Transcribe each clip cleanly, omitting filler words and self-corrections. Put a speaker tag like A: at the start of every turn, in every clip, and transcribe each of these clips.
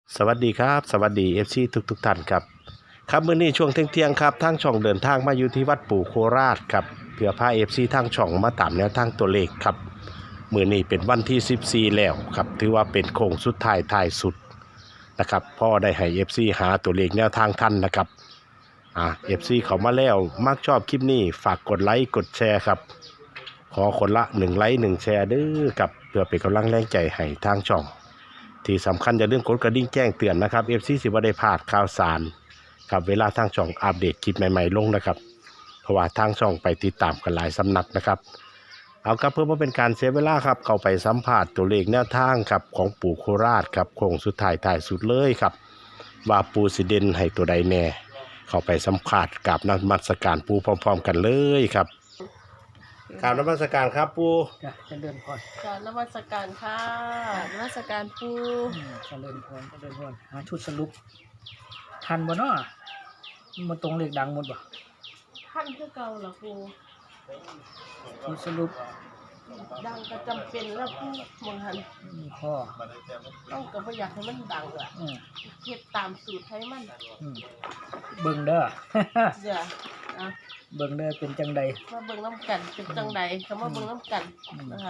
A: สวัสดีครับสวัสดีFC ทุกท่านครับครับมื้อนี้ช่วงเที่ยงครับทางช่องเดินทางมาอยู่ที่วัดปู่โคราชครับเพื่อพา FC ทางช่องมาตามแนวทางตัวเลขครับมื้อนี้เป็นวันที่14แล้วครับถือว่าเป็นโค้งสุดท้ายสุดนะครับพ่อได้ให้ FC หาตัวเลขแนวทางทันนะครับFC เขามาแล้วมักชอบคลิปนี้ฝากกดไลค์กดแชร์ครับขอคนละ1ไลค์1แชร์เด้อครับเพื่อเป็นกำลังแรงใจให้ทางช่องที่สำคัญอย่าลืมกดกระดิ่งแจ้งเตือนนะครับ FC สิบ่ได้พลาดข่าวสารครับเวลาทางช่องอัปเดตคลิปใหม่ๆลงนะครับเพราะว่าทางช่องไปติดตามกันหลายสำนักนะครับเอาครับเพื่อไม่เป็นการเสียเวลาครับเข้าไปสัมภาษณ์ตัวเลขแนวทางครับของปู่โคราชครับโค้งสุดท้ายสุดเลยครับว่าปู่สิเด่นให้ตัวใดแน่เข้าไปสัมภาษณ์กับนมัสการปู่พร้อมๆกันเลยครับกราบนมัสการครับปู่
B: จ้ะเจริญพร
C: กรารนมัสการค่ะนมัสการปู
B: เจริญพรหาชุดสรุปทันบ่เนาะมันตรงเลขดังหมดบ่
C: ท่านคือเก่าเหรอปู
B: ชุดสรุป
C: ดังก็จำเป็นแล้วปูมองหัน
B: มีข้อ
C: ต้องก็บ่อยากให้มันดังอ่ะ
B: อืม
C: เฮ็ดตามสูตรให้มัน
B: อืมเบิ่งเด้อ
C: เดี๋ยวอ่ะ
B: เบิ่งเด้อเป็นจังใด
C: มาเบิ่งน้ำกันเป็นจังใดก็มาเบิ่งน้ำกันนะคะ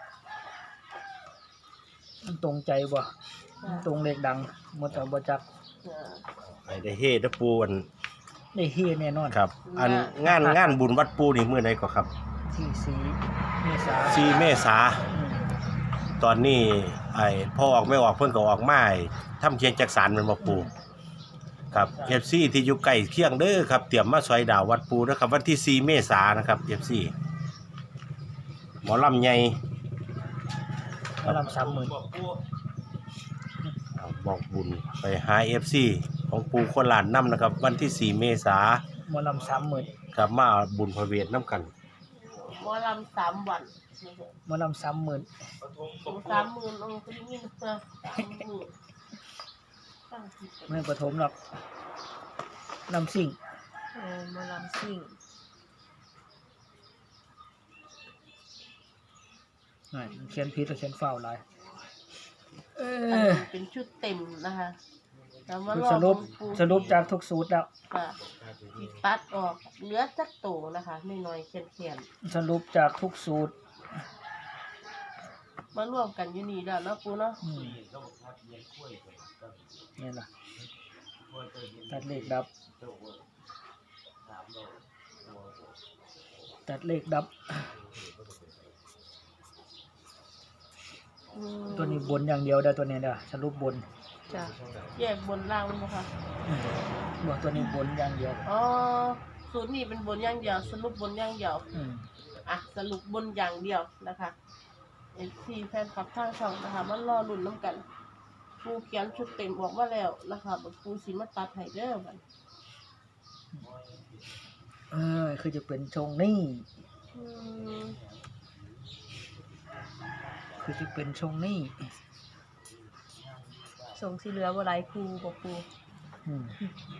B: มันตรงใจบ่มันตรงเลขดังหมดแต่บ่จัก
C: เดี๋ยว
A: ไอ้ได้เฮ็ดนะปู่อัน
B: ได้เฮแน่นอน
A: ครับอันงานบุญวัดปู่นี่มื้อใดก็ครับ
B: ที่4เมษายน
A: 4 เมษา
B: อืม
A: ตอนนี้ไอ้พ่อออกไม่ออกเพิ่นก็ออกมาให้ทำเคียงจักสารแมันบ่ปู่ครับ FC ที่อยู่ใกล้เคียงเด้อครับเตรียมมาซอยดาววัดปู่นะครับวันที่4 เมษายนนะครับ FC หมอลำใหญ่
B: หมอลำ30,000
A: บอกบุญไปหา FC ของปู่โคราชนำนะครับ วันที่4 เมษายน
B: หมอลำ30,000
A: ครับมาเอาบุญพระเวทนํกัน
C: หมอลำ3 วัน
B: หมอลำ30,000
C: ถึง30,000องค์ก็ได้ยินเพื่อ30,000ตั้งจิต
B: ไม่ปฐมหรอกลำซิ่ง
C: หมอลำซิ่ง
B: นั่นเขียนผิดแล้วเขียนฟาวหลาย
C: อันนี้เป็นชุดเต็มนะคะแต่ว่า
B: คือ
C: รอ
B: สรุปจากทุกสูตรแล้ว
C: ค่ะที่ตัดออกเหลือจักโตนะคะน้อยๆเขียน
B: สรุปจากทุกสูตร
C: ๆมารวมกันอยู่นี่แล้วเนาะปูเนาะ
B: นี่ล่ะตัดเลขดับ ตัดเลขดับ ตัวนี้บนอย่างเดียวได้อตัวนี้เด้อสรุปบน
C: จ้ะแยกบนล่างมั้งคะ
B: บอกตัวนี้บนอย่างเดียว
C: อ๋อสูตรนี้เป็นบนอย่างเดียวสรุปบนอย่างเดียว
B: อืม
C: อ่ะสรุปบนอย่างเดียวนะคะFC แฟนคลับทางช่องนะคะมารอลุ้นน้ำกันปูเขียนชุดเต็มออกมาแล้วนะคะบัดปูสิมาตัดให้เด้อบัด
B: คือจะเป็นชงนี่
C: อืม
B: คือจะเป็นชงนี่
C: ส่งสีเหลือบ่หลายครูบ่ปู
B: อืม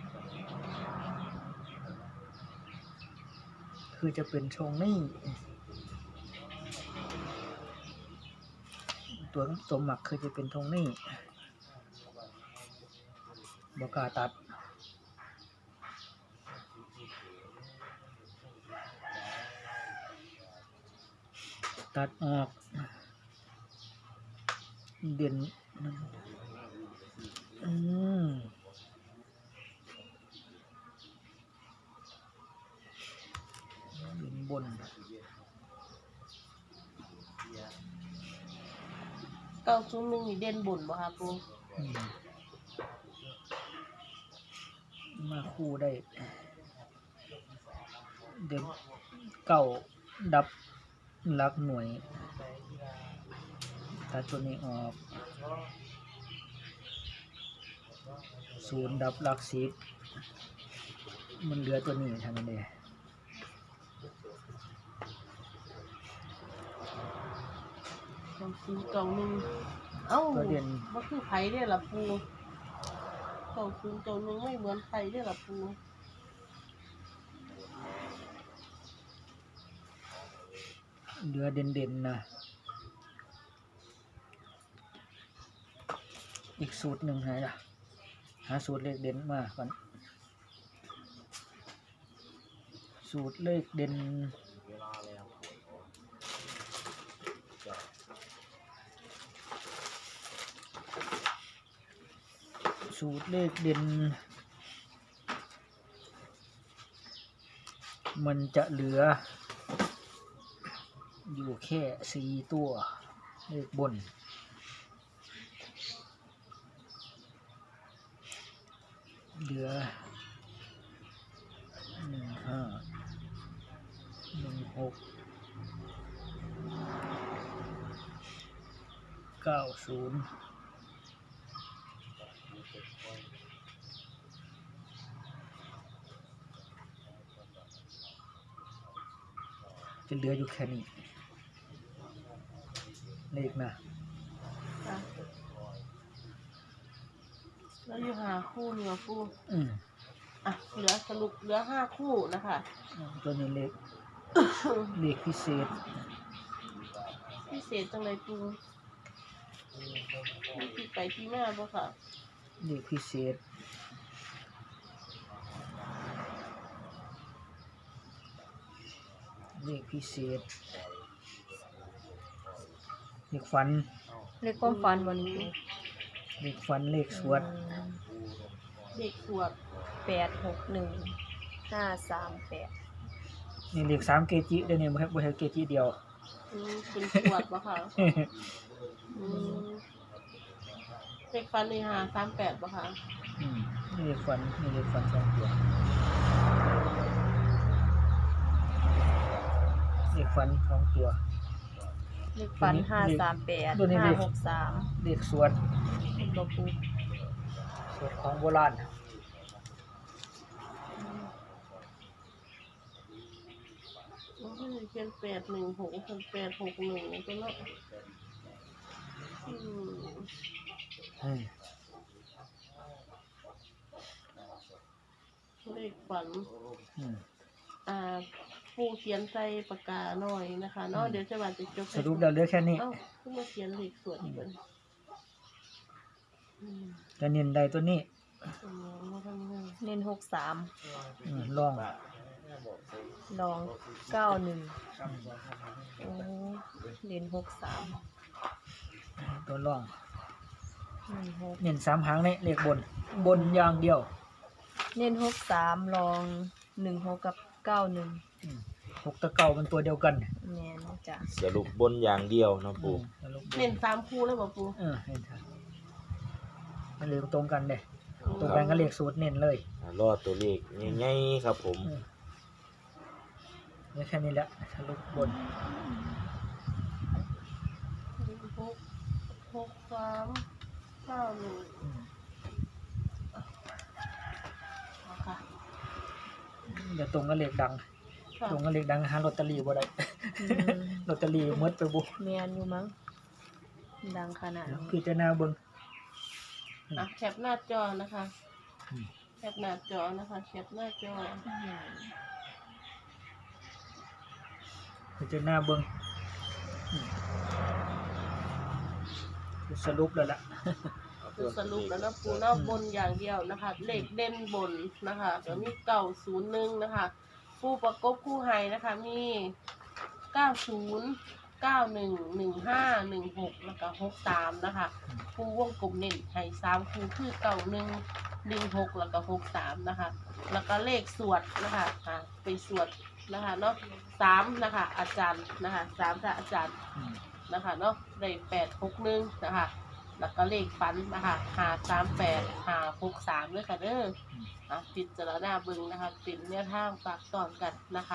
B: คือจะเป็นชงนี่ตัวสมหมักคือจะเป็นชงนี่บอกล้าตัด ตัดออกเด่นอืมเด่นบน
C: 901นี่เด่นบนบ่คะปู
B: อืมมาคู่ได้ เด่นเก้าดับหลักหน่วยตัดตัวนี้ออกศูนย์ดับหลักสิบมันเหลือตัวนี้ทำไมเนี่ย
C: 901เอ้า
B: ตัวเด่น
C: บ่คือไผเด้อล่ะปู901ไม่เหมือนไผเด้อล่ะปู
B: เหลือเด่นๆนะอีกสูตรหนึ่งไหนล่ะหาสูตรเลขเด่นมาก่อนสูตรเลขเด่นสูตรเลขเด่นมันจะเหลืออยู่แค่4ตัวเลขบนเหลือ15 16 90จะเหลืออยู่แค่นี้เลขนะ
C: อ่ะแล้วอยู่หาคู่เนื้อคู่ อ่ะเหลือสรุปเหลือ5คู่นะคะ
B: ตัวนี้เลข เลขพิเศษ
C: พิเศษจังเลยปูมีที่ไปที่มาบ่ค่ะ
B: เลขพิเศษเลขพิเศษเลขฝัน
D: เลขความฝันวันนี้
B: เลขฝันเลขสวด
C: เด็กสวด
D: 861 538
B: นี่เลข3เกจิเดี๋ยวนี้บ่ให้เกจิเดียว
C: เป็นสวดบ่ค่ะอืมเด็กฟันนี่หา38บ่ค่ะ
B: นี่เลขฝันนี่เลขฝัน2ตัวเลขฝัน2ตัว
D: เลขฝัน
B: ตัวนี้
D: 538
B: เลข
D: 563
B: เลขสวด
D: บ่ปู
B: สวดของโบราณ
C: มันก็จะเป็น816เป็น861ก็เนาะเลขฝัน ปูเขียนใส่ปากกาหน่อยนะคะเนาะเดี๋ยวจะว่าจะจบ
B: สรุปแล้วเหลือแค่นี้
C: เอ้าเพิ่งมาเขียนเลขสวดอีกคน
B: จะเน้นได้ตัวนี้
C: มาทำงาน
D: เน้น63
B: ลอง
D: ลอง91โอ้เน้น63
B: ตัวลอง
D: 16
B: เน้น3หางนี่เลขบนอย่างเดียว
D: เน้น63ลอง16กับ91
B: 6กับ9มันตัวเดียวกัน
D: แม่นจ้ะ
E: สรุปบนอย่างเดียวนะปู่
B: สรุปบ
C: เน้น3คู่แล้วบ่ปู
B: เน้นครับมันเลขตรงกันเด้ตรงกันก็เลขสูตรเน้นเลย
E: รอดตัวเลขง่ายๆครับผม
B: นี่แค่นี้แหละสรุปบน
C: ค่ะ
B: เดี๋ยวตรงก็เลขดัง ตรงก็เลขดังหาลอตเตอรี่บ่ได้ ลอตเตอรี่หมดไปบ่
D: แม่นอยู่มั้งดังขนาดนี้
B: พิจารณาเบิ่ง
C: แคปหน้าจอนะคะแคปหน้าจอนะคะแคปหน้าจอ
B: พิจารณาเบิ่งสรุปแล้วล่ะ
C: คือสรุปแล้วนะปูเนาะบนอย่างเดียวนะคะ เลขเด่นบนนะคะเดี๋ยวมี901นะคะผู้ประกบคู่ไฮนะคะมี90 91 15 16แล้วก็63นะคะผู้วงกลมเน้นไฮ3คู่คือ91 16แล้วก็63นะคะแล้วก็เลขสวดนะคะไปสวดนะคะเนาะ3นะคะอาจารย์นะคะ3ค่ะอาจารย์นะคะเนาะได้861นะคะแล้วก็เลขฝันนะคะ538 563ด้วยค่ะเด้อพิจารณาเบิ่งนะคะเป็นแนวทางฝากตอนกันนะคะ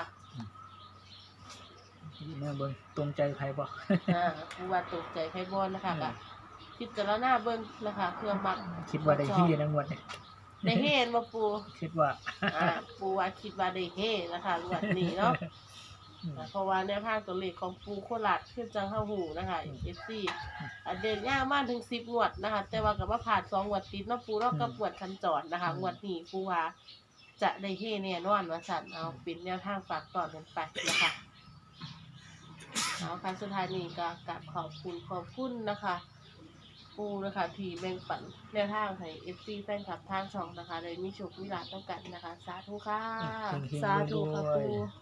B: แม่เบิ่งตรงใจไผบ่
C: ผู้ว่าตกใจไพบอลนะคะก็พิจารณาเบิ่งนะคะเพื่อมัก
B: คิดว่าได้ที่นะงวดนี้
C: ได้เห็นมาปู
B: คิดว่า
C: ปูว่าคิดว่าได้เฮนะคะงวดนี้เนาะเพราะว่าแนวทางตัวเลขของปูโคราชขึ้นจังเข้าหูนะคะ FC เดินยากมากถึง10งวดนะคะแต่ว่ากับว่าผ่าน2งวดติดเนาะปูเนาะกับงวดคันจรนะคะงวดนี้ปูว่าจะได้เฮแน่นอนว่าซั่นเอาเป็นแนวทางฝากตอนกันไปนะคะเอาค่ะสุดท้ายนี้ก็กราบขอบคุณนะคะปูนะคะที่แบ่งปันแนวทางให้ FC แฟนคลับทางช่องนะคะเลยมีโชคมีลาภต้องกันนะคะ สาธุค่ะ
D: สาธุค่ะปู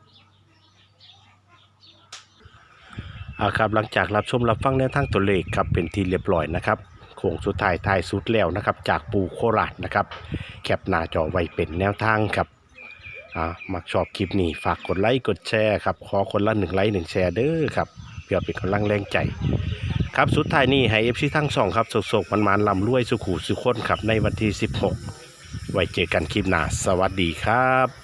A: ครับหลังจากรับชมรับฟังแนวทางตัวเลขครับเป็นที่เรียบร้อยนะครับโค้งสุดท้ายท้ายสุดแล้วนะครับจากปูโคราชนะครับแคปหน้าจอไว้เป็นแนวทางครับมักชอบคลิปนี้ฝากกดไลค์กดแชร์ครับขอคนละ1 ไลค์ 1 แชร์เด้อครับเพื่อเป็นกำลังแรงใจครับสุดท้ายนี้ให้ FC ทั้งสองครับสกๆมันๆลำรวยสุขุสุขคนครับในวันที่16ไว้เจอกันคลิปหน้าสวัสดีครับ